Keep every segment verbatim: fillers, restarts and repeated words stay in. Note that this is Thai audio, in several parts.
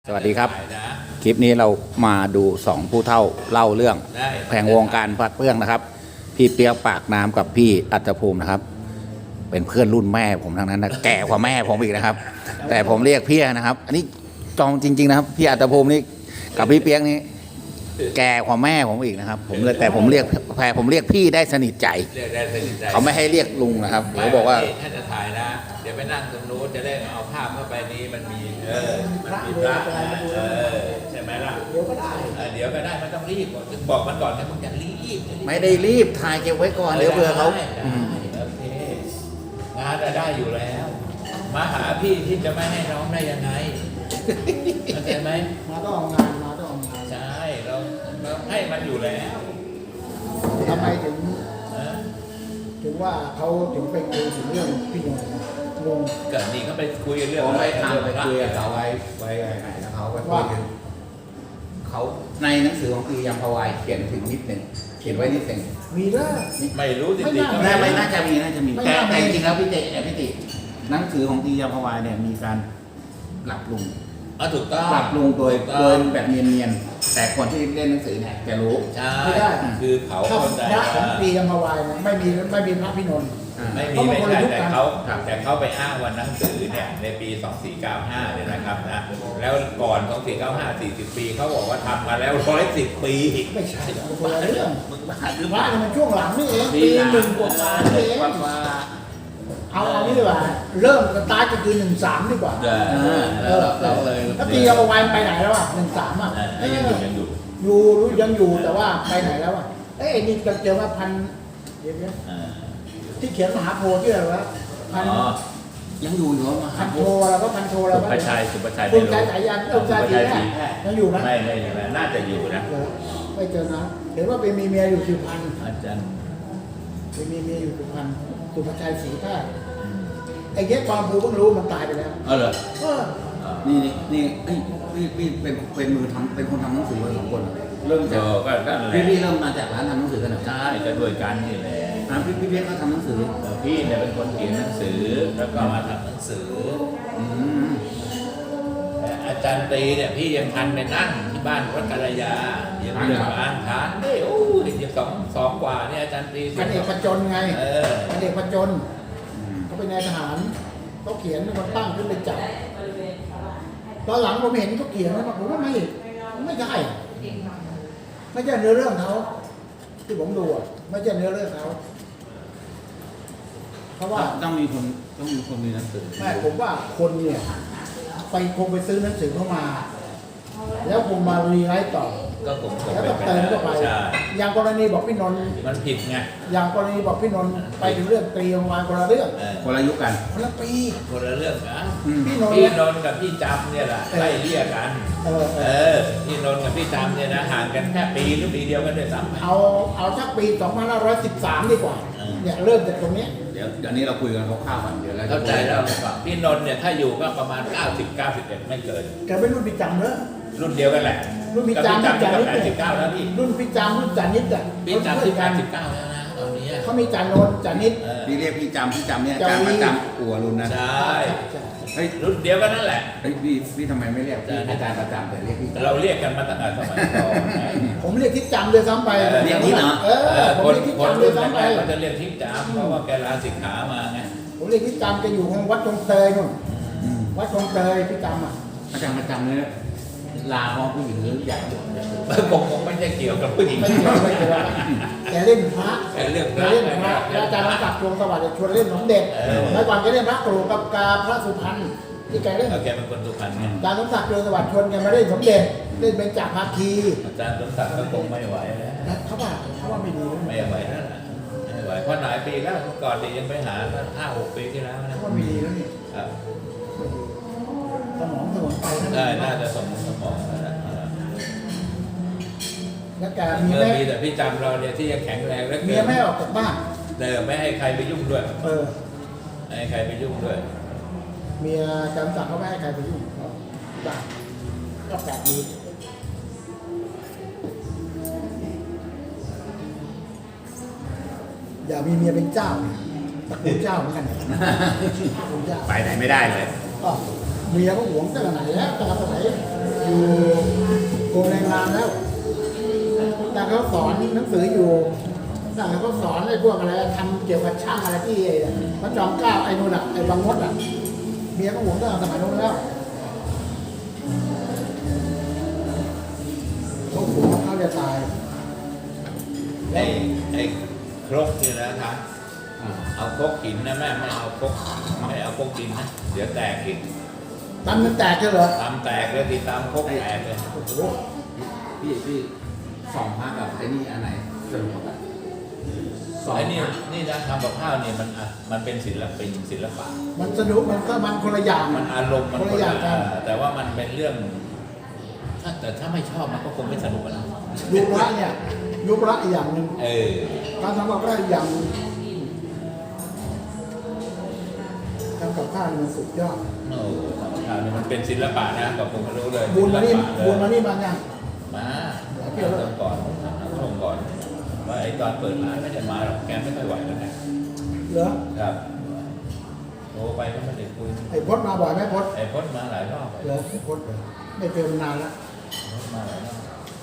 สวัสดีครับคลิปนี้เรามาดูสองผู้เฒ่าเล่าเรื่องแผงวงการพัดเปื้องนะครับ พี่เปียกปากน้ำกับพี่อัตภูมินะครับ เป็นเพื่อนรุ่นแม่ผมทั้งนั้นนะแก่กว่าแม่ผมอีกนะครับ แต่ผมเรียกพี่นะครับ อันนี้จองจริงๆนะครับพี่อัตภูมินี่กับพี่เปียกนี่แก่กว่าแม่ผมอีกนะครับ ผมเลยแต่ผมเรียกแพรผมเรียกพี่ได้สนิทใจเขาไม่ให้เรียกลุงนะครับเขาบอกว่าถ้าจะถ่ายนะเดี๋ยวไปนั่งตรงนู้นจะได้เอาภาพเข้าไปนี้มันมีเออมันมีพระเออใช่ไหมล่ะเดี๋ยวก็ได้เดี๋ยวก็ได้ไม่ต้องรีบบอกมันก่อนนะมึงอย่ารีบไม่ได้รีบถ่ายเก็บไว้ก่อนเดี๋ยวเผื่อเขาโอเคงานได้อยู่แล้วมาหาพี่ที่จะไม่ให้น้องได้ยังไงเข้าใจไหมมาต้องเอางานมาต้องเอางานใช่เราเราให้มันอยู่แล้วทำไมถึงถึงว่าเขาถึงไปคุยถึงเรื่องพี่นนท์งงเกิดนี่เขาไปคุยเรื่องผมไปทำไปคุยกับเขาไว้ไว้ไหนนะเขาไปคุยกันเขาในหนังสือของปียมพวายเขียนถึงนิดหนึ่งเขียนไว้นิดหนึ่งมีแล้วไม่รู้จริงๆน่าไม่น่าจะมีน่าจะมีแต่แต่จริงๆแล้วพี่เจพี่ติหนังสือของปียมพวายเนี่ยมีการปรับปรุงอ่ะถูกต้องปรับปรุงโดยโดยแบบเนียนๆแต่คนที่เล่นหนังสือเนี่ยจะรู้ใช่คือเขาพระของปียมพวายไม่มีไม่มีพระพี่นนท์ไม่มีไม่ใช่แต่เขาแต่เขาไปอ้างวันหนังสือเนี่ยในปีสองสี่เก้าห้าเนี่ยนะครับนะแล้วก่อนสองสี่เก้าห้า สี่สิบปีเขาบอกว่าทำมาแล้วหนึ่งร้อยสิบปีไม่ใช่คนละเรื่องพระมันช่วงหลังนี่เองปีหนึ่งกว่าเองเอาเอานี่ดีกว่าเริ่มสตาร์ทก็คือหนึ่งสามดีกว่าเออเราเลยถ้าปีเอาไว้ไปไหนแล้วอ่ะหนึ่งสามอ่ะยังอยู่ยังอยู่อยู่ยังอยู่แต่ว่าไปไหนแล้วอ่ะเอ้ยนี่จะเจอว่าพันเดี๋ยวนี้ที่เขียนมหาโพธิ์ที่อะไรวะพันยังอยู่อยู่มาพันโทแล้วก็พันโทแล้วก็สุภชัยสุภชัยสุภชัยสายยันเออสุภชัยสีแพทย์ยังอยู่ไหมไม่ไม่ไม่น่าจะอยู่นะไม่เจอนะเห็นว่าเป็นมีเมียอยู่สุพรรณอาจารย์เป็นมีเมียอยู่สุพรรณสุภชัยสีแพทย์ไอ้เงี้ยความภูเพิ่งรู้มันตายไปแล้วเออเหรอนี่นี่นี่พี่พี่เป็นเป็นมือทำเป็นคนทำหนังสือมาสองคนเริ่มจากพี่พี่เริ่มมาจากร้านทำหนังสือกันเหรอใช่ก็ด้วยกันนี่แหละพี่พี่เพียกเขาทำหนังสือพี่เนี่ยเป็นคนเขียนหนังสือแล้วก็มาทำหนังสืออาจารย์ตีเนี่ยพี่ยังทันไปนั่งที่บ้านวัดกัลยายังเรื่องอ่านทานได้โอ้ยยังสองสองกว่าเนี่ยอาจารย์ตีพันเอกประจนไงพันเอกประจนเขาเป็นนายทหารเขาเขียนเป็นคนตั้งขึ้นไปจับตอนหลังผมเห็นเขาเขียนแล้วผมว่าไม่ไม่ใช่ไม่ใช่เนื้อเรื่องเขาที่ผมดูอ่ะไม่ใช่เนื้อเรื่องเขาเพราะว่าต้องมีคนต้องมีคนมีหนังสือไม่ผมว่าคนเนี่ยไปคงไปซื้อหนังสือเข้ามาแล้วคงมารีไรต์ต่อก็ผมแล้วก็เติมเข้าไปอย่างกรณีบอกพี่นนท์มันผิดไงอย่างกรณีบอกพี่นนท์ไปถึงเรื่องตีออกมาคนละเรื่องคนละยุคกันคนละปีคนละเรื่องนะพี่นนท์พี่นนท์กับพี่จำเนี่ยแหละไล่เลี่ยกันเออพี่นนท์กับพี่จำเนี่ยนะห่างกันแค่ปีหรือปีเดียวกันด้วยซ้ำเอาเอาสักปีสองพันห้าร้อยสิบสามดีกว่าเนี่ยเริ่มจากตรงนี้เดี๋ยวเดี๋ยวนี้เราคุยกันคร่าวๆก่อนเดี๋ยวเราเข้าใจแล้วว่าพี่นนท์เนี่ยถ้าอยู่ก็ประมาณเก้าสิบ เก้าสิบเอ็ดไม่เกินแกเป็นรุ่นพี่จำเนอะรุ่นเดียวกันแหละรุ่นพี่จำรุ่นจานิดแปดสิบเก้าแล้วพี่รุ่นพี่จำรุ่นจานิดอ่ะพี่จำที่แปดสิบเก้าแล้วนะตอนนี้เขามีจานนท์จานิดพี่เรียกพี่จำพี่จำเนี่ยจำประจำอัวรุ่นนะใช่เฮ้ยรุ่นเดียวกันนั่นแหละเฮ้ยพี่พี่ทำไมไม่เรียกอาจารย์ประจำแต่เรียกพี่เราเรียกกันมาตั้งแต่สมัยก่อนผมเรียกทิศจำเลยซ้ำไปเรียกทิศเหรอเออผมเรียกทิศจำเลยซ้ำไปเขาจะเรียกทิศจำเพราะว่าแกลาสิกขามาไงผมเรียกทิศจำจะอยู่ของวัดตรงเตยนู่นวัดตรงเตยทิศจำอ่ะอาจารย์ประจำเนี่ยลาของผู้หญิงหรือใหญ่คงคงไม่ใช่เกี่ยวกับผู้หญิงไม่เกี่ยวไม่เกี่ยวแกเล่นพระแกเล่นพระเล่นพระอาจารย์รักษาดวงสวัสดิ์ชวนเล่นสมเด็จเมื่อก่อนแกเล่นพระกรูกับกาพระสุพรรณที่แกเล่นแกเป็นคนสุพรรณไงอาจารย์สมศักดิ์ดวงสวัสดิ์ชวนแกมาเล่นสมเด็จเล่นเป็นจ่าภาคีอาจารย์สมศักดิ์ก็คงไม่ไหวแล้วเขาว่าเขาว่าไม่ดีไม่ไหวแล้วไม่ไหวเพราะหลายปีแล้วเมื่อก่อนนี่ยังไปหาห้าหกปีที่แล้วนะเขาว่าไม่ดีแล้วนี่สมองสมองไปได้น่าจะสมองสมองแล้วแกมีแม่แต่พี่จำเราเนี่ยที่ยังแข็งแรงแล้วเมียไม่ออกจากบ้านเดิมไม่ให้ใครไปยุ่งด้วยเออไม่ให้ใครไปยุ่งด้วยเมียจำสั่งเขาไม่ให้ใครไปยุ่งบ้านก็แปลกดีอย่ามีเมียเป็นเจ้าตระกูลเจ้าเหมือนกันไปไหนไม่ได้เลยเมียก็หวงตั้งแต่ไหนแล้วตั้งแต่ไหนอยู่กรมแรงงานแล้วแต่เขาสอนหนังสืออยู่แต่เขาสอนไอ้พวกอะไรทำเกี่ยวกับช่างอะไรที่พระจอมเกล้าไอ้นู่นอ่ะไอ้บางมดอ่ะเมียของผมตั้งแต่สมัยนู้นแล้วเขาหัวเขาจะตายไอ้ไอ้ครกนี่นะครับเอาครกหินนะแม่ไม่เอาครกไม่เอาครกดินนะเดี๋ยวแตกอีกตันมันแตกใช่เหรอตามแตกเลยทีตามครกแตกเลยโอ้โหพี่พี่สองพักกับไอ้นี่อันไหนสนุกกว่ากันสองไอ้นี่พักนี่นะทำกับข้าวนี่มันอ่ะมันเป็นศิลปินศิลปะมันสนุกมันก็มันคนละอย่างมันอารมณ์มันคนคนละอย่างละกันแต่ว่ามันเป็นเรื่อง ถ้าแต่ถ้าไม่ชอบมันก็คงไม่สนุกอะนะยุคละเนี่ยยุคละอีกอย่างหนึ่งเออการทำกับข้าวอีกอย่างหนึ่งทำกับข้าวนี่มันสุดยอดโอ้ทำกับข้าวนี่มันเป็นศิลปะนะกับผมไม่รู้เลยบุญมานี่ศิลปะเลยบุญมานี่มาเนี่ยมาเที่ยวเริ่มก่อนช่วงก่อนว่าไอ้ตอนเปิดร้านไม่ได้มาหรอกแกไม่ค่อยไหวแล้วไงเหรอครับโทรไปก็ไม่ได้คุยไอ้พดมาบ่อยไหมพดไอ้พจน์มาหลายรอบเหรอไอ้พดเหรอไม่เจอมานานแล้วพจน์มาหลายรอบ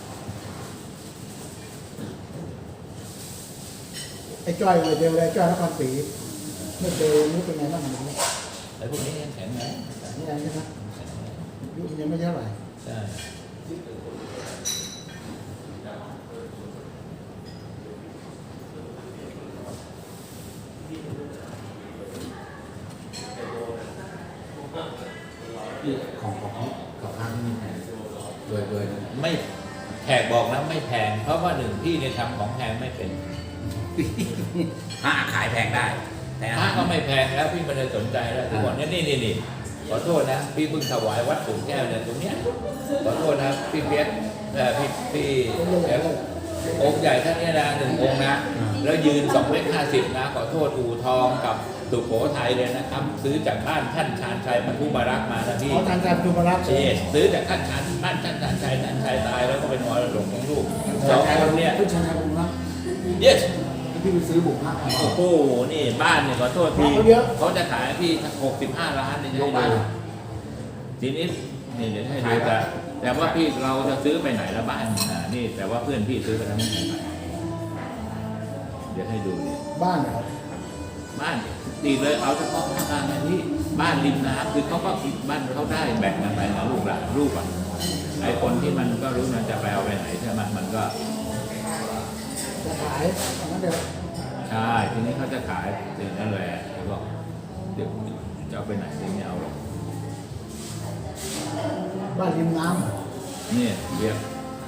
ไอ้จ้อยเลยเจอเลยจ้อยนครศรีไม่เจอนี่เป็นไงบ้างหนูนี่ไอ้พวกนี้ยังแข็งแรงไงใช่ไหมยุคยังไม่เท่าไหร่ใช่พี่ของของกับพักนี่แพงโดยโดยไม่แขกบอกนะไม่แพง เพราะว่าหนึ่งพี่เนี่ยทำของแพงไม่เป็นพระขายแพงได้ แต่พระก็ไม่แพงแล้วพี่ไม่ได้สนใจแล้วทุกวันนี้นี่นี่นี่ขอโทษนะพี่เพิ่งถวายวัดปู่แก้วเนี่ยตรงเนี้ยขอโทษนะพี่เปี๊ยกเอ่อพี่พี่เปี๊ยกองค์ใหญ่ท่านเนี้นะหนึ่งองค์นะแล้วยืนสองเมตรห้าสิบนะขอโทษอู่ทองกับสุโขทัยเลยนะครับ ซื้อจากบ้านท่านชาญชัยพันธุบารักษ์มานะพี่เขาทางการจุมรักษ์เอซื้อจากท่านชาญบ้านท่านชาญชัยท่านชายตายแล้วก็เป็นมรดกของลูกสองคนเนี่ยผู้ชายบุญรัก yes ที่ไปซื้อบุกพระมาโอ้โห นี่บ้านเนี่ยขอโทษพี่เขาเยอะเขาจะขายพี่หกสิบห้าล้านเนี่ยจะให้ดูทีนี้นี่เดี๋ยวให้ดูแต่แต่ว่าพี่เราจะซื้อไปไหนละบ้านอ่านี่แต่ว่าเพื่อนพี่ซื้อไปแล้วไม่ไหนเดี๋ยวให้ดูนี่บ้านเหรอบ้านดีเลยเอาเฉพาะภาคกลางนะพี่บ้านริมน้ำคือเขาก็คิดบ้านเขาได้แบ่งกันไปนะลูกหลานลูกอ่ะไอ้คนที่มันก็รู้มันจะไปเอาไปไหนใช่ไหมมันก็จะขายงั้นเดี๋ยวใช่ทีนี้เขาจะขายเดี๋ยวนั่นแหละเขาบอกเดี๋ยวจะเอาไปไหนเดี๋ยวไม่เอาหรอกบ้านริมน้ำเหรอเนี่ยเรียก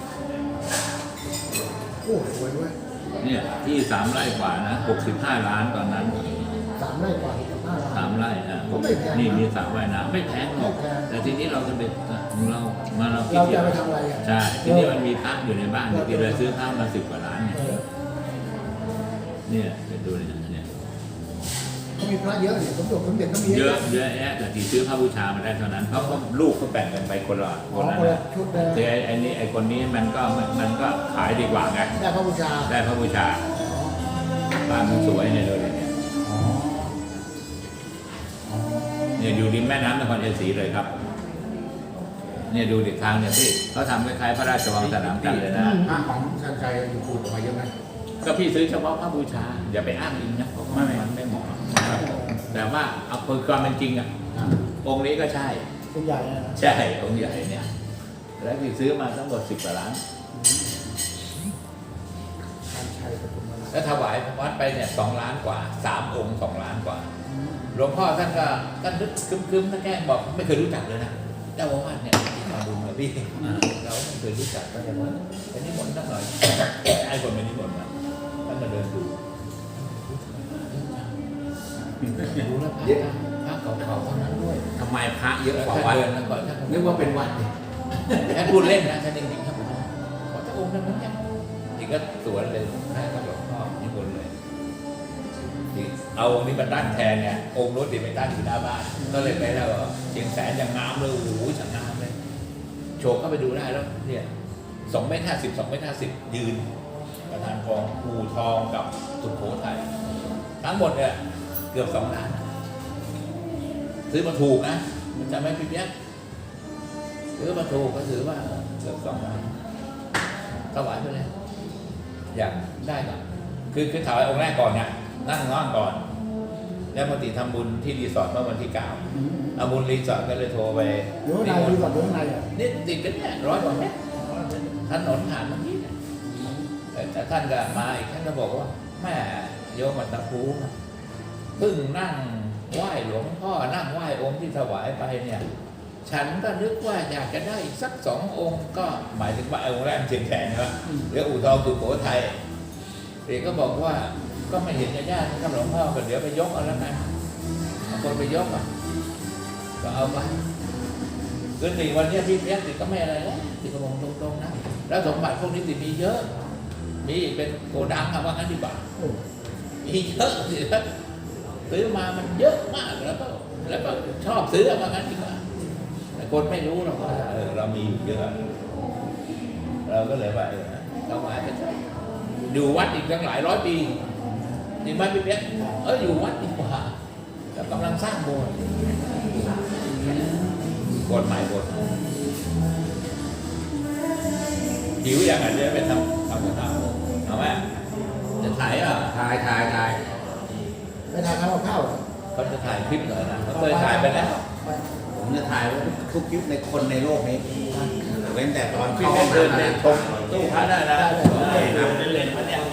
โอ้สวยด้วยเนี่ยที่สามไร่กว่านะหกสิบห้าล้านตอนนั้นสามไร่กว่ากับห้าสามไร่นะก็ไม่แพงนะนี่มีสระว่ายน้ำไม่แพงหรอกไม่แพงแต่ทีนี้เราจะไปเรามาเราคิดเราเดียจะวไปทำอะไรอ่ะใช่ทีนี้มันมีพระอยู่ในบ้านที่เราซื้อพระมาสิบกว่าล้านเนี่ยเออเนี่ยไปดูเนี่ยเนี่ยเขามีพระเยอะเนี่ยสมเด็จสมเด็จก็มีเยอะเยอะแยะแต่ที่ซื้อพระบูชามาได้เท่านั้นเพราะว่าลูกเขาแบ่งกันไปคนละขคอนละคนละนะชุดเลยแต่ไอ้นี่ไอ้คนนี้มันก็มันก็ขายดีกว่าไงได้พระบูชาได้พระบูชาบ้านมันสวยเนี่ยดูดิเนี่ยอ๋ออ๋อเนี่ยอยู่ริมแม่น้ำนครชัยศรีเลยครับ เนี่ยดูดิทางเนี่ยพี่เขาทำคล้ายๆพระราชวังสนามกันเลยนะห้างของชันชัยอยู่คูดออกมาเยอะไหมก็พี่ซื้อเฉพาะพระบูชา อย่าไปอ้างอิงนะเพราะว่ามันไม่เหมาะนะครับแต่ว่าเอาความเป็นจริงอะองค์นี้ก็ใช่เป็นใหญ่นะใช่องค์ใหญ่เนี่ย แล้วพี่ซื้อมาทั้งหมดสิบกว่าล้านการชัยปฐุมราชแล้วถวายวัดไปเนี่ยสองล้านกว่าสามองค์สองล้านกว่า หลวงพ่อท่านก็ท่านนึกคึมๆท่านแกล้งบอกไม่เคยรู้จักเลยนะเจ้าอาวาสเนี่ยมาดูมาพี่เราไม่เคยรู้จักก็จะว่าไปนิมนต์สักหน่อยไอ้คนไปนิมนต์มาท่านมาเดินดูดูแล้วพระพระเก่าๆเท่านั้นด้วยทำไมพระเยอะกว่าท่านวัดเดินแล้วก็ท่านนึกว่าเป็นวัดเนี่ยท่านพูดเล่นนะท่านจริงๆท่านบอกว่าขอพระองค์นั้นเนี่ยจริงก็สวนเลยแม่ก็หลวงพ่อนิมนต์เลย เอาองค์นี้มาตั้งแทนไงองค์นู้นติดไปตั้งอยู่หน้าบ้านก็เลยไปแล้วเชียงแสนอย่างงามเลยโอ้โหช่างงามเลยโชว์เข้าไปดูได้แล้วเนี่ยสองเมตรห้าสิบสองเมตรห้าสิบยืนประธานกองภูทองกับสุโขทัยทั้งหมดเนี่ยเกือบสองล้านซื้อมาถูกนะมันจะไม่พิเศษซื้อมาถูกก็ถือว่าเกือบสองล้านถวายไปเลยอยากได้ก่อนคือคือถวายองค์แรกก่อนเนี่ยนั่งนั่งก่อน แล้วปกติทำบุญที่รีสอร์ทเมื่อวันที่เก้าเอาบุญรีสอร์ทก็เลยโทรไปอยู่ข้างในดีกว่าอยู่ข้างในอ่ะนี่ติดกันเนี่ยร้อยกว่าเมตรถนนผ่านเมื่อกี้เนี่ยแต่ท่านก็มาอีกท่านก็บอกว่าแม่โยมอัตภูมิเพิ่งนั่งไหว้หลวงพ่อนั่งไหว้องค์ที่ถวายไปเนี่ยฉันก็นึกว่าอยากจะได้อีกสักสององค์ก็หมายถึงว่าองค์แรกเชียงแขนนะหรืออู่ทองสุโขทัยเด็กก็บอกว่าก็ไม่เห็นจะยากท่านหลวงพ่อก็เดี๋ยวไปยกเอาแล้วกันบางคนไปยกอ่ะก็เอาไปคือติวันนี้พี่เพี้ยนติก็ไม่อะไรแล้วติก็มองตรงๆนะแล้วสมบัติพวกนี้ติมีเยอะมีเป็นโกดังอะว่างั้นดีกว่าโอ้มีเยอะสิครับซื้อมามันเยอะมากแล้วก็แล้วก็ชอบซื้อเอาว่างั้นดีกว่าแต่คนไม่รู้หรอกว่าเออเรามีเยอะเราก็เลยว่าเออเราหมายไปเถอะอยู่วัดอีกตั้งหลายร้อยปีจริงไหมพี่เปี๊ยกเอออยู่วัดดีกว่าแต่กำลังสร้างโบสถ์โบสถ์ใหม่โบสถ์หิวอย่างไรจะไปทำทำกับข้าวเอาไหมจะถ่ายอ่ะถ่ายถ่ายถ่ายไปทานข้าวกับข้าวเหรอเขาจะถ่ายคลิปเหรอนะเขาเคยถ่ายไปแล้วผมจะถ่ายไว้ทุกคลิปในคนในโลกนี้เว้นแต่ตอนพี่เข้าเดินมาเดินชมตู้พระได้นะได้ครับเล่นๆมาเนี่ย